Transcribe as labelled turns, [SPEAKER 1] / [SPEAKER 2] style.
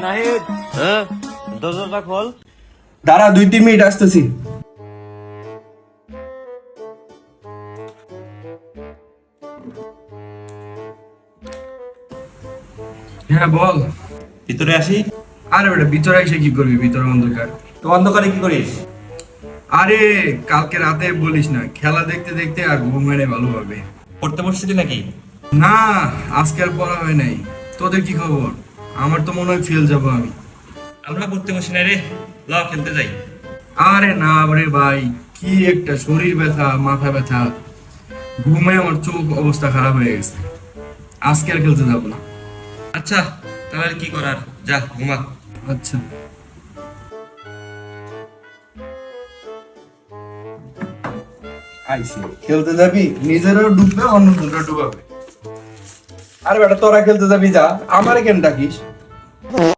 [SPEAKER 1] নাহিদ, হ্যাঁ দরজাটা খোল।
[SPEAKER 2] দাঁড়া 2-3 মিনিট আসতেছি। হ্যাঁ বল।
[SPEAKER 3] ভিতরে আসি।
[SPEAKER 2] আরে বেটা ভিতরে এসে কি করবি, ভিতরে অন্ধকার।
[SPEAKER 3] তো অন্ধকারে কি করিস?
[SPEAKER 2] আরে কালকে রাতে বলিস না, খেলা দেখতে দেখতে আর ঘুম হয় নাই ভালোভাবে।
[SPEAKER 3] পড়তে বসছিলি নাকি?
[SPEAKER 2] না, আজকে আর পড়া হয় নাই। তোদের কি খবর? আমার তো মনে হয় ফেল যাবো আমি।
[SPEAKER 3] আমরা পড়তে বসি না রে, ল খেলতে যাই।
[SPEAKER 2] আরে না রে ভাই, কি একটা শরীর ব্যথা, মাথা ব্যথা, ঘুমে আমার চোখ অবস্থা খারাপ হয়ে গেছে। আজকে আর খেলতে যাবো না।
[SPEAKER 3] আচ্ছা তাহলে কি করার, যা ঘুমা।
[SPEAKER 2] আচ্ছা আইসি, খেলতে যাবি, নিজেরও ডুববে অন্য দুটো ডুবাবে। আরে বেটা তোরা খেলতে যাবি যা, আমারে কেন ডাকিস?